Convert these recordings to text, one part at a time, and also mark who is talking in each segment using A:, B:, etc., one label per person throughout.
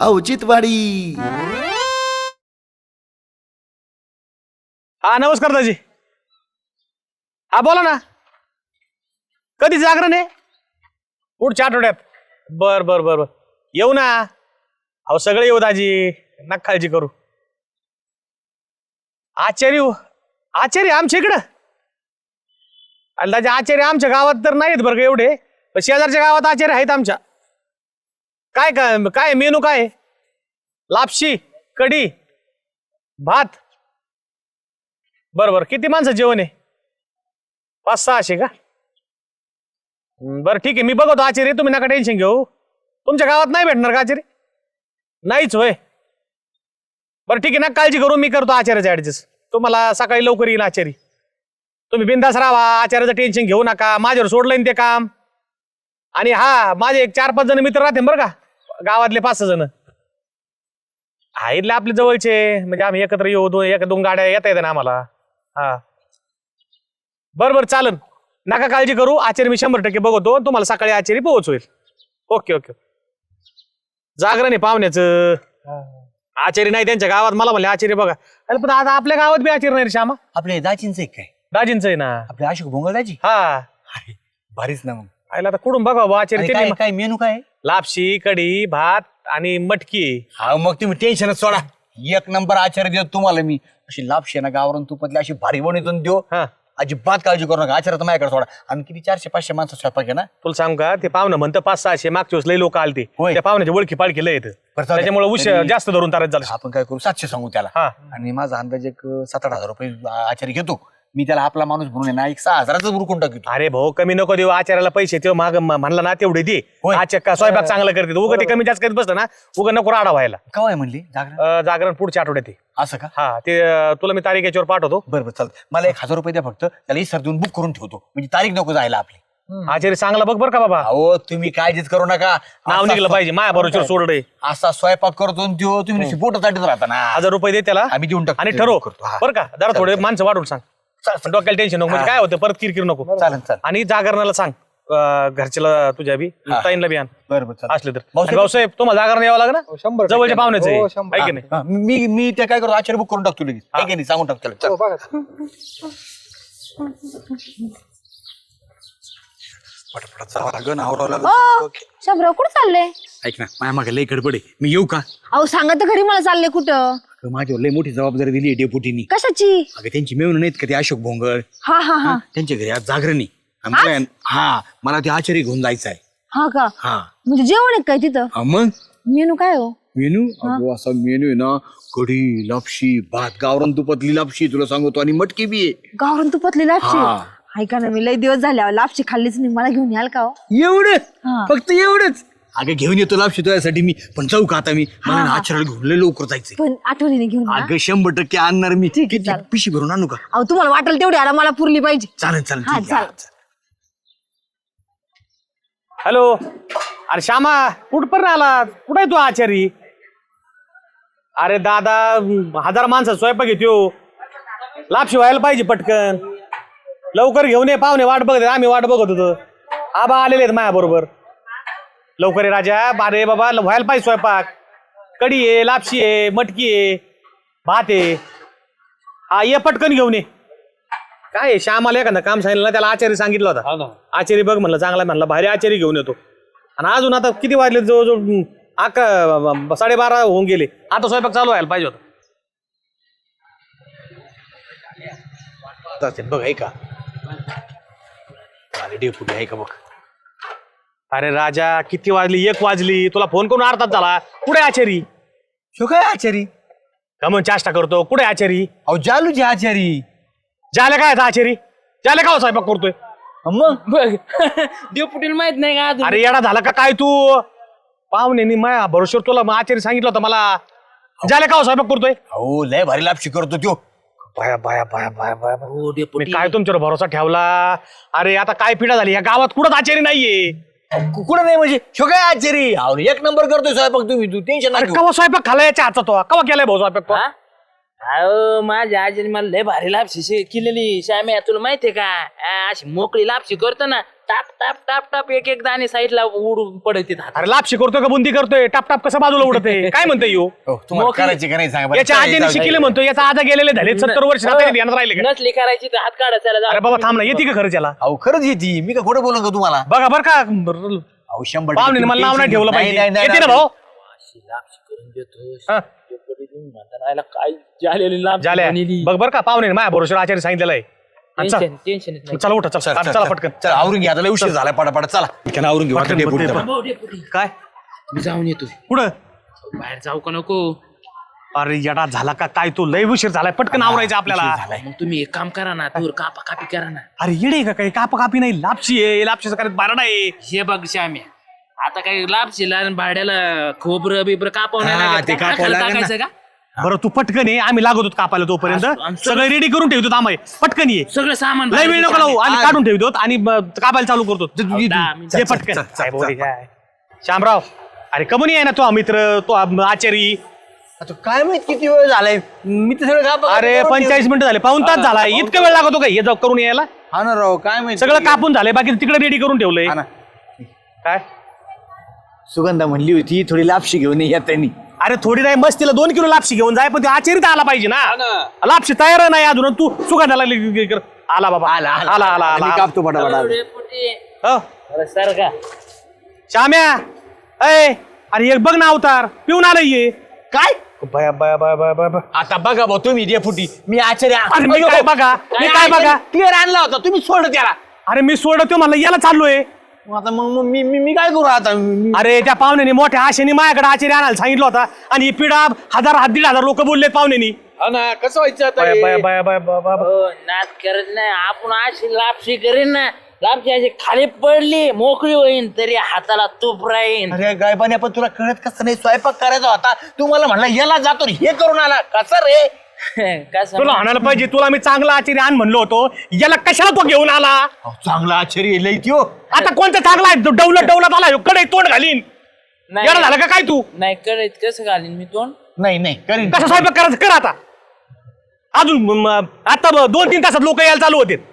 A: औचित्यवाडी.
B: हा नमस्कार दाजी. हा बोला ना. कधी जागरण आहे? पुढच्या आठवड्यात. बर बर बर बर येऊ ना. अहो सगळे येऊ दाजी, नका काळजी करू. आचार्य आमच्या इकडं. अरे दाजी आचार्य आमच्या गावात तर नाहीत बरं का एवढे, पण शेजारच्या गावात आचार्य आहेत आमच्या. काय काय काय मेनू काय? लापशी, कढी, भात. बरं किती माणसं जेवण आहे? 500-600 का? बरं ठीक आहे, मी बघतो आचार्य, तुम्ही नका टेन्शन घेऊ. तुमच्या गावात नाही भेटणार का आचार्य? नाहीच होय. बरं ठीक आहे, नका काळजी करू, मी करतो आचार्याचं ऍडजस्ट. तुम्हाला सकाळी लवकर येईल आचार्य. तुम्ही बिंदास राहा, आचार्याचं टेन्शन घेऊ नका. माझ्यावर सोडलं ना ते काम. आणि हा माझे 4-5 जण मित्र राहते बरं का, गावातले 5-6 जण इथले आपले जवळचे, म्हणजे आम्ही एकत्र येऊ. 1-2 गाड्या येता ना आम्हाला. हा बरं चालन, नका काळजी करू. आचार्य मी 100% बघतो, तुम्हाला सकाळी आचार्य पोहोचवेल. ओके. जागरण आहे पाहुण्याचं. आचार्य नाही त्यांच्या गावात. मला म्हणले आचार्य बघा. अरे पण आता आपल्या गावात बी आचार्य नाही रे श्यामा.
C: आपले दाजींच आहे काय?
B: दाजींच आहे ना
C: आपले अशोक भोंगळ दाजी.
B: हा
C: अरे भारीच ना. मग
B: आयला आता कुठून बघा आचार्य.
C: आणि काय मेनू काय?
B: लापशी, कढी, भात आणि मटकी.
C: हा मग तुम्ही टेन्शनच सोडा. 1 नंबर आचार्य देतो तुम्हाला मी. अशी लापशी ना गावरून तुपातली अशी भारी बनवून देऊ.
B: हा
C: अजिबात काळजी करू नका. आचार्य तर माझ्याकडे सोडा. आणि किती 400-500 माणसं स्वयंपाक आहे ना.
B: तुला सांग का, ते पाहुणं म्हणतं 500-600. मागच्या वेळेस लई लोक आलते.
C: होय.
B: त्या पाहुण्याची ओळखी पाळखी लय येतं,
C: बरं, चालतंय.
B: त्याच्यामुळे उशीर जास्त धरून तारत झालं.
C: आपण काय करू, 700 सांगू त्याला.
B: हा.
C: आणि माझा अंदाज एक 7-8 हजार रुपये आचार्य घेतो मी. त्याला आपला माणूस म्हणून आहे ना, एक 6,000च बुरकून टाकतो.
B: अरे भाऊ कमी नको देऊ आचार्याला पैसे. ते माग म्हणला ना तेवढे दे.
C: होय.
B: आचार्य स्वयंपाक चांगलं करते. उगा ते कमी जास्त करीत बसलं ना, उगा नको राडा व्हायला.
C: काय म्हणली जागरण?
B: जागरण पुढच्या आठवड्यात आहे.
C: असं का?
B: हा ते तुला मी तारीख याच्यावर पाठवतो.
C: बरं चालतं. मला 1,000 रुपये द्या फक्त. त्याला इसर देऊन बुक करून ठेवतो, म्हणजे तारीख नको जायला आपली.
B: आचार्य चांगला बघ बरं का बाबा.
C: अहो तुम्ही काळजीच करू नका.
B: नाव निघलं पाहिजे. माया बरोबर सोडले.
C: असा स्वयंपाक करतो आणि त्यो तुम्ही बोट चाटत राहता ना.
B: 1000 रुपये दे त्याला,
C: आम्ही देऊन टाकतो.
B: आणि ठरव
C: करतो. हा.
B: बरं का. जरा थोडे माणसं वाढवून सांग. डोक्याला टेन्शन नको, म्हणजे काय होतं परत किरकिर नको.
C: चालेल.
B: आणि जागरणाला सांग घरच्याला तुझ्या बी ताईंला बी आण
C: बरं
B: असले तर. भाऊसाहेब तुम्हाला जागरण यावं लागेल ना,
D: 100%
B: जवळच्या पाहुण्याचं आहे.
D: हो,
B: आहे की नाही?
C: मी ते काय करतो, आचार्य बुक करून टाकतो लगेच. आहे की नाही सांगून टाकतो त्याला.
D: हो, बघा.
E: शंभराव कुठं चाललंय?
C: ऐक ना, माझ्या मागे लय गडबड आहे. मी येऊ का?
E: अहो सांगा तर घरी, मला चालले कुठं?
C: माझ्यावर लय मोठी जबाबदारी दिली आहे डेपुटीनी.
E: कशाची?
C: अगं त्यांची मेवणं नाहीत का ते अशोक भोंगळ.
E: हा हा हा
C: त्यांच्या घरी आज जागरणी. मला ते आचार्य घेऊन जायचं आहे.
E: हा का?
C: हा
E: म्हणजे जेवण आहे काय तिथं?
C: मग
E: मेनू काय हो?
C: मेनू अगो असा मेनू आहे ना, कढी, लापशी, भात, गावरान तुपातली लापशी तुला सांगतो, आणि मटकी बी आहे.
E: गावरान तुपातली लापशी?
C: हा.
E: ऐका ना, मी लय दिवस झाले लापशी खाल्लीच नाही. मला घेऊन याल का हो?
C: एवढं?
E: हा.
C: फक्त एवढंच? अगं घेऊन येतो लापशी तुझ्यासाठी मी. पण जाऊ का आता मी? मला आचार्याला घेऊन लय लवकर जायचंय.
E: पण आठवणीने घेऊन या.
C: अगं 100% आणणार मी.
E: ठीक आहे,
C: किती
E: चालेल.
C: पिशी भरून आणू का?
E: अहो तुम्हाला वाटेल तेवढी आला, मला पुरली पाहिजे.
C: चालेल चालेल
E: हा,
C: ठीक आहे.
E: चालेल.
B: हॅलो. अरे श्यामा कुठपर्यंत आला? कुठे आहे तू आचारी? अरे दादा 1000 माणसं स्वयंपाक घेतो. लापशी व्हायला पाहिजे पटकन. लवकर घेऊन ये, पाहुणे वाट बघत. आम्ही वाट बघत होतो. आबा आलेले आहेत माझ्या बरोबर. लवकर ये राजा. अरे बाबा व्हायला पाहिजे स्वयंपाक. कढी आहे, लापशी आहे, मटकी आहे, भात आहे. हा ये पटकन घेऊन ये. काय आहे, श्यामाला एखादं काम सांगितलं ना, त्याला आचार्य सांगितलं होता. आचार्य बघ म्हणलं चांगला, म्हणला भारी आचार्य घेऊन येतो. आणि अजून आता किती वाजले? जवळजवळ 11:30 होऊन गेले. आता स्वयंपाक चालू व्हायला पाहिजे होता.
C: बघ आहे का? डेपुटी आहे का बघ.
B: अरे राजा किती वाजली? 1 वाजली. तुला फोन करून अर्धात झाला. कुठे आचारी?
C: शो काय आचारी?
B: का म्हणून चाष्टा करतो? कुठे आचारी?
C: अहो जालूची आचारी.
B: झाले काय आता आचारी? झाले का स्वयंपाक करतोय?
C: मग
D: डेपुटीला माहित नाही का अजून?
B: अरे येडा झाला का काय तू? पाहुणे माया भरोश्यावर तुला आचार्य सांगितलं होतं मला. झाले का स्वयंपाक करतोय?
C: अहो लय भारी लापशी करतो त्यो.
B: बाया बाया बाया बाया बाया. मी काय तुमच्यावर भरोसा ठेवला? अरे आता काय पिढा झाली या गावात? कुठंच आचार्य नाहीये.
C: कुठं नाही म्हणजे? शो काय आचारी? अहो 1 नंबर करतोय स्वयंपाक तुम्ही. तू टेन्शन
B: अरे
C: नाही.
B: कवा स्वयंपाक खाला याच्या हातात? तो कवा केलाय भाऊ स्वयंपाक? तो
D: अहो माझ्या आजीने मला लय भारी लापशी केलेली श्याम्या तुला माहितीये का अशी मोकळी लापशी करतो ना टाप टाप टाप टाप एक एक दाणे साईडला उडून पडते हात.
B: अरे लापशी करतोय का बुंदी करतोय टाप टाप कसं बाजूला उडते काय म्हणतोय यो
C: हो, तुम्हाला करायची का नाही सांगा बरं.
B: याच्या आजीने शिकले म्हणतो याचा आजा गेलेले झाले 70 वर्ष आता ध्यानात राहिले का
D: नसली करायची तर हात काढायला
B: अरे बाबा थांब ना येते का खरंच याला
C: अहो खरंच येते मी का खोटं बोलू का तुम्हाला
B: बघा बरं का
C: अहो 100
B: पाहुणे मला नाव नाही ठेवलं
C: नाही,
B: पाहिजे
C: नाही, नाही,
B: येते ना
C: नाही.
B: भाऊ
D: लापशी करून देतो
B: हा.
D: म्हातारायला काय झालेली लापशी
B: झाल्या
D: बनलेली.
B: बघ बरं का पाहुणे माझ्या भरोश्यावर आचार्य सांगितलेलं आहे आणि चल.
D: टेन्शन येत नाही.
B: चला उठा चला चला पटकन
C: चला आवरून घ्या आता लय उशीर झाला पटापट चला इकडे आवरून घेऊ आता
B: पटकन,
C: डेपुटी
B: पटकन.
C: चला.
D: हो, डेपुटी.
B: काय
D: मी जाऊन येतो
B: पुढं
D: बाहेर जाऊ का नको
B: अरे येडा झाला का काय तू लय उशीर झालाय पटकन आवरायचं आपल्याला
D: मग तुम्ही एक काम करा ना दूर कापा कापी करा ना
B: अरे येडे का काही काप कापी नाही लापशी आहे लापशीचं करायचं बारडा आहे
D: हे बघ श्याम्या आता काही लापशीला आणि भाड्याला खोबरं बिबर कापावं नाही
C: हा,
D: लागत
C: ते
D: का?
C: कापावं
D: आखायला
C: लागेल ना.
D: टाकायचं का
B: बरं तू पटकन ये आम्ही लागत होतो कापायला तोपर्यंत
D: आणि
B: सगळं रेडी करून ठेवतो आम्ही पटकन ये
D: सगळं सामान
B: लय वेळ नको लावू आम्ही काढून ठेवतो आणि कापायला चालू करतो
D: दहा मिनिटं.
B: ये पटकन काय बोली काय श्यामराव अरे कमून आहे ना तो मित्र तो आचारी
C: आता काय माहित किती वेळ झालाय मी तर सगळं कापा-
B: अरे 45 मिनिटं झाले पाऊन तास झाला इतका वेळ लागतो का हे जाऊ करून यायला
C: हा ना राव काय माहित
B: सगळं कापून झालंय बाकी तिकडे रेडी करून ठेवलंय
C: हा ना.
B: काय
C: सुगंधा म्हणली होती थोडी लापशी घेऊन ये त्यांनी
B: अरे थोडी नाही मस्त तिला 2 किलो लापशी घेऊन जाय पण ते आचारीत आला पाहिजे ना लापशी तयार नाही अजून आणि तू सुगंधाला आला बाबा
C: आला
B: आला आला
C: मी
B: आला
C: कापतो पटापट
D: डेपुटी.
B: हो.
D: अरे सर का
B: श्याम्या अय अरे एक बघ ना अवतार पिऊन आलंय ये
C: काय
B: बया बया बया बया बया बया.
C: आता बघा भाऊ तुम्ही डेपुटी मी आचार्य
B: अरे मी काय बघा मी काय बघा
C: क्लिअर आणला होता तुम्ही सोड त्याला
B: अरे मी सोडतो मला याला चाललोय
C: मग आता मग मी मी मी काय करू आता मी-
B: अरे त्या पाहुण्याने मोठ्या आशेने माझ्याकडे आचार्य आणायला सांगितलं होता आणि ही पिढा 1,000-1,500 लोक बोलले पाहुण्यानी
A: हा ना कसं व्हायचं आता
B: बया
A: हे?
B: बया बया बया बया बया.
D: हो नाद करत नाही आपण अशी लापशी करीन ना लापशी अशी खाली पडली मोकळी होईन तरी हाताला तूप राहीन
C: अरे गायबाने पण तुला कळत कसं नाही स्वयंपाक करायचा होता तू मला म्हणला याला जातो रे, हे करून आला कसं रे
D: कसं
B: तुला आणायला पाहिजे तुला मी चांगला आचार्य आण म्हणलो होतो याला कशाला तो घेऊन आला
C: अहो, चांगला आश्चर्य लय त्यो
B: आता कोणता चांगला आहे डवलत डवलत आला कडे तोंड घालीन
D: नाही
B: याला झालं का काय तू
D: नाही कळत कसं घालीन मी तोंड
C: नाही नाही करीन
B: कसा स्वयंपाक करायचं कर आता अजून आता 2-3 तासात लोक यायला चालू होते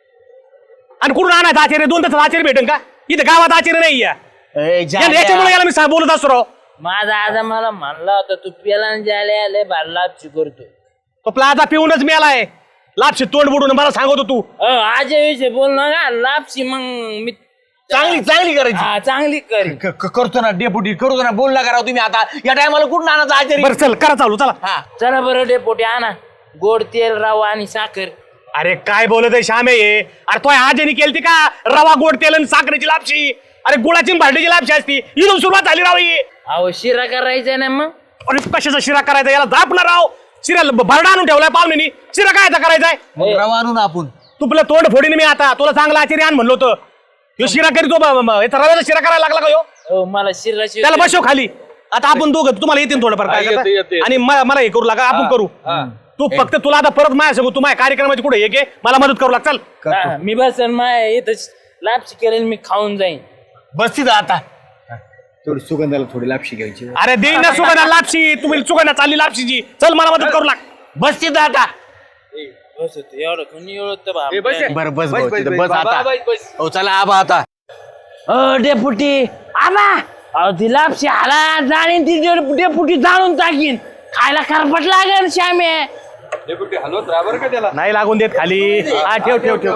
B: आणि कुठून आणायचं आचार्य 2 तासात आचार्य भेटेन का इथे गावात आचार्य नाही या
C: ए, जा-
B: याच्यामुळे याला मी बोलत असतो राव
D: माझा आजा मला म्हणला होता तू पेला जायला लय भारी लापशी करतो
B: तो प्लाझा पिऊनच मिळालाय लापशी तोंड बुडून मला सांगत तू
D: आजा विषयी बोल ना लापशी मग मी
C: चांगली चांगली करायची
D: हा, चांगली करीन
C: करतो ना डेपुटी करतो ना बोल ना करा तुम्ही आता या टायमाला कुठून आणायचं आचार्य
B: बरं चल करा चालू चला
C: हा
D: चला बरं डेपोटी आणा गोड तेल रवा आणि साखर
B: अरे काय बोलत आहे श्यामे हे अरे तो आजनी केलती का रवा गोड तेल आणि साखरेची लापशी अरे गुळाची आणि भांडीची लापशी असती इथून सुरुवात झाली राव ही
D: अहो शिरा करायचा ना मग
B: अरे कशाचा शिरा करायचा याला दापला राव शिरा भरडा आणून ठेवलाय पाहुण्यानी शिरा काय करायचाय
C: मग रवा आणू ना आपण
B: तुला तोंड फोडीने मी आता तुला चांगला आचार्य आण म्हणलो होतं ह्यो शिरा करीतो याचा रव्याचा शिरा करायला लागला का ह्यो
D: हो मला शिराची
B: त्याला बसव खाली आता आपण दोघं तुम्हाला येते थोडंफार काय
A: येते,
B: करता?
A: येते.
B: आणि मला हे करू लागा आपण करू तू फक्त तुला आता परत माझ्या सांगू तू माझ्या कार्यक्रमाची कुठे हे मला मदत करू लाग चल
D: हा, मी बसन माय इथं लापशी करेन मी खाऊन जाईन
C: बसती जा आता थोडी सुगंधाला थोडी लापशी घ्यायची
B: अरे देईन ना सुगंधा लापशी तुम्ही सुगंधा चालली लापशीची चल मला मदत करू लाग
C: बसती जा आता
D: बस एवढं कोणी एवढं
A: ए, बस
D: बाप
C: बरं बस
A: बस,
C: भाऊ,
A: बस,
C: तिथं
A: बस,
C: बस आता
A: बस, बस.
C: हो चला आबा आता
D: डेपुटी आबा अहो ती लापशी आला जाणीन ती डेपुटी जाणून टाकीन खायला खरपट लागेल श्यामे
A: डेपुटी हलवत राहा बरं का त्याला
B: नाही लागून देत खाली हा ठेव ठेव ठेव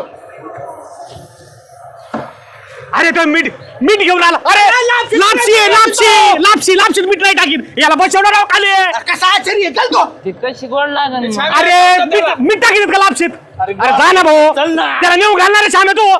B: अरे तो मीठ मीठ घेऊन आला अरे लापशी आहे, लापशी लापशी लापशीत मीठ नाही टाकीन याला बसवणार राव खाली
C: कसा आश्चर्य चल तो
D: ती कशी गोड लागेल मग?
B: अरे मीठ टाकीन का लापशीत अरे जा ना भाऊ
D: चल ना.
B: त्याला नेऊ घालणार आहे श्यामे तू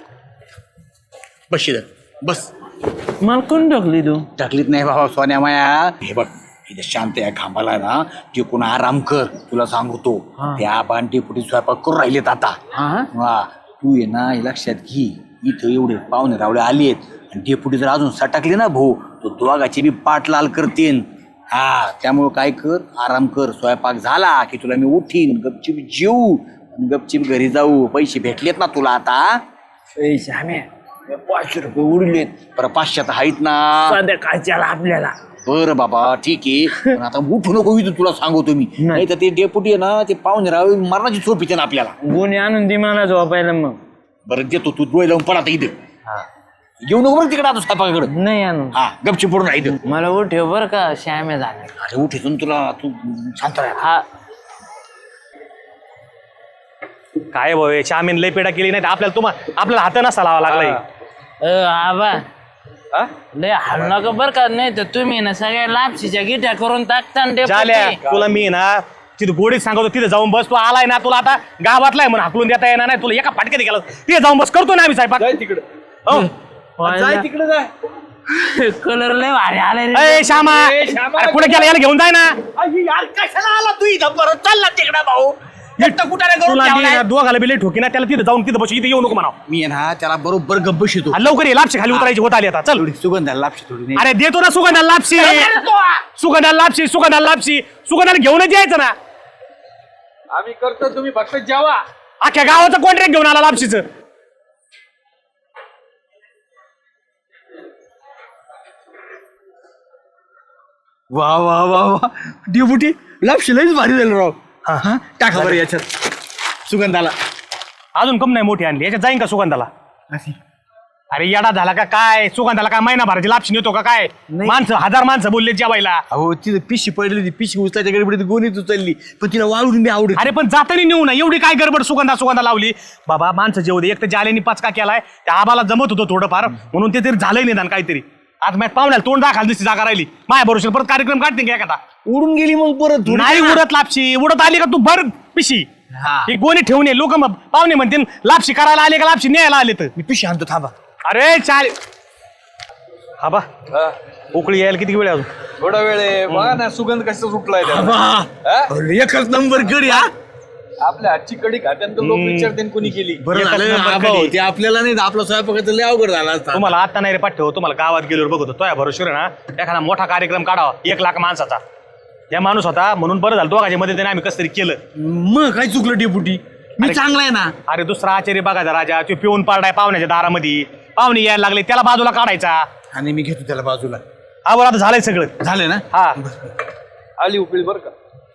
C: बस इथं. बस
D: मला कोण ढकली तू
C: टाकलीत नाही बाबा सोन्या माया हे बघ इथे शांत या खांबाला ना जे कोण आराम कर तुला सांगतो त्या बांटी पुढे स्वयंपाक करून राहिलेत आता वा तू ये ना हे लक्षात घे इथं एवढे पाहुणे रावळे आलेत आणि डेपुटी जर अजून सटकले ना भाऊ तो दोघाची बी पाठ लाल करतीन हा त्यामुळं काय कर आराम कर स्वयंपाक झाला की तुला मी उठीन गपचिप जेऊ आणि गपचिप घरी जाऊ पैसे भेटलेत ना तुला आता
D: ए श्यामे
C: 500 रुपये उडलेत बरं 500 तर आहेत ना
D: संध्याकाळच्याला आपल्याला
C: बरं बाबा ठीक आहे पण आता उठू नको इथून तुला सांगतो मी नाही तर ते डेपुटी आहे ना ते पाहुणे राव मरणाची झोप येते ना आपल्याला
D: गुन्हे आणून दे मला झोपायला मग.
C: बरं देतो तू डोळे लावून पडा आता इथं येऊ नको बरं तिकडे आता स्वयंपाकाकडे
D: नाही आणून.
C: हा गपची पडून राहिलं
D: मला उठव बर का श्याम्या झाला.
C: अरे उठ इथून तुला तू शांत राहा
D: हा
B: काय भाऊ श्यामीन लय पेडा केली नाही तर आपल्याला हात नसा लावा लागलाय.
D: आबा
A: हा?
D: लय हाल नका बर का नाही तर तुम्ही ना सगळ्या लापशीच्या गिट्या करून टाकता ना
B: झाल्या
D: डेपुटी.
B: तुला मी ना तिथं गोडीत सांगतो तिथे जाऊन बस. तू आलाय ना तुला आता गावातला आहे म्हणून हाकलून देता येणार नाही. तुला एका फाटक्यात गेला तिथे जाऊन बस करतो ना आम्ही स्वयंपाक.
A: जाय तिकडे
B: हो
A: जाय तिकडे जाय
D: कलर लय भारी आलाय रे.
B: ए श्यामा
A: ए, श्यामा.
B: अरे पुढे गेला याला घेऊन जाय ना.
C: यार कशाला आला तू इथं परत चालला तिकडे भाऊ एकटं कुठाने करून
B: तुला
C: ठेवलाय?
B: मी दोघाला बिले ठोकी ना त्याला तिथे जाऊन तिथे बस. इथे येऊ नको म्हणा.
C: मी आहे ना त्याला बरोबर गप्प शितो
B: लवकर ये लापशी खाली उतरायची होत आली आता चल.
C: सुगंधाला लापशी थोडी नाही
B: अरे देतो ना सुगंधाला लापशी सुगंधाला घेऊनच यायचं ना.
A: आम्ही करतो तुम्ही फक्त जेवा.
B: अख्ख्या गावाचं कॉन्ट्रॅक्ट घेऊन आला लापशीचं.
C: वा वा वा वा डेपुटी लापशी लईच भारी झालं राव हा टाका बरं याच्यात सुगंधाला
B: अजून कम नाही मोठी आणली याच्यात जाईन का सुगंधाला. अरे येडा झाला का काय सुगंधाला काय महिना भराची लापशी नेतो का काय. माणसं 1000 माणसं बोलले जेवायला.
C: अहो तिथं पिशी पडली होती पिशी उचलायच्या गडबडीत गोणीत उचलली पण तिला वाळून मी आवडत
B: अरे पण जातानी नेऊ ना एवढी काय गडबड सुगंधा लावली. बाबा माणसं जेवू दे. एक तर जालेनी पचका केलाय त्या आबाला जमत होतं थोडंफार म्हणून ते तरी झालंय निदान काहीतरी. आज मॅच पाहुण्याला तोंड दाखल दिसती जागा राहिली माझ्या भरोश्यावर परत कार्यक्रम काढते का एखादा.
C: उडून गेली मग परत थोडी.
B: नाही उडत लापशी उडत आली का तू भर पिशी. ही गोणी ठेवून ये लोक पाहुणे म्हणते लापशी करायला आले का लापशी न्यायला आले तर.
C: मी पिशी आणतो थांबा
B: अरे चाल हा बा
A: हा.
B: उकळी यायला किती वेळ आहे अजून.
A: थोडा वेळ आहे बघा ना सुगंध कसं सुटलाय त्याला.
C: अरे, एकच नंबर करी हा
A: आपल्या हातची कडी खात्यानंतर लोक विचारते कोणी केली.
C: बरं
B: एकच
C: झालं
B: नंबर
C: आबा
B: कधी.
C: होते आपल्याला नाही आपला स्वयंपाकाचं लय अवघड झाला असता
B: तुम्हाला आता नाही रे पाठव तुम्हाला गावात गेल्यावर बघतो तो या भरोश्यावर ना एखादा मोठा कार्यक्रम काढावा 1 लाख माणसाचा. या माणूस होता म्हणून बरं झालं दोघांच्या मध्ये आम्ही कसं तरी केलं.
C: मग काय चुकलं डेपुटी मी चांगला आहे ना
B: अरे दुसरा आचार्य बघायचा राजा तो पिऊन पारडाय पाहुण्याच्या दारामध्ये. पाहुणे यायला लागले त्याला बाजूला काढायचा.
C: आणि मी घेतो त्याला बाजूला
B: आवर आता झालंय सगळं.
C: झालं ना
B: हा
A: आली उकळी बरं का.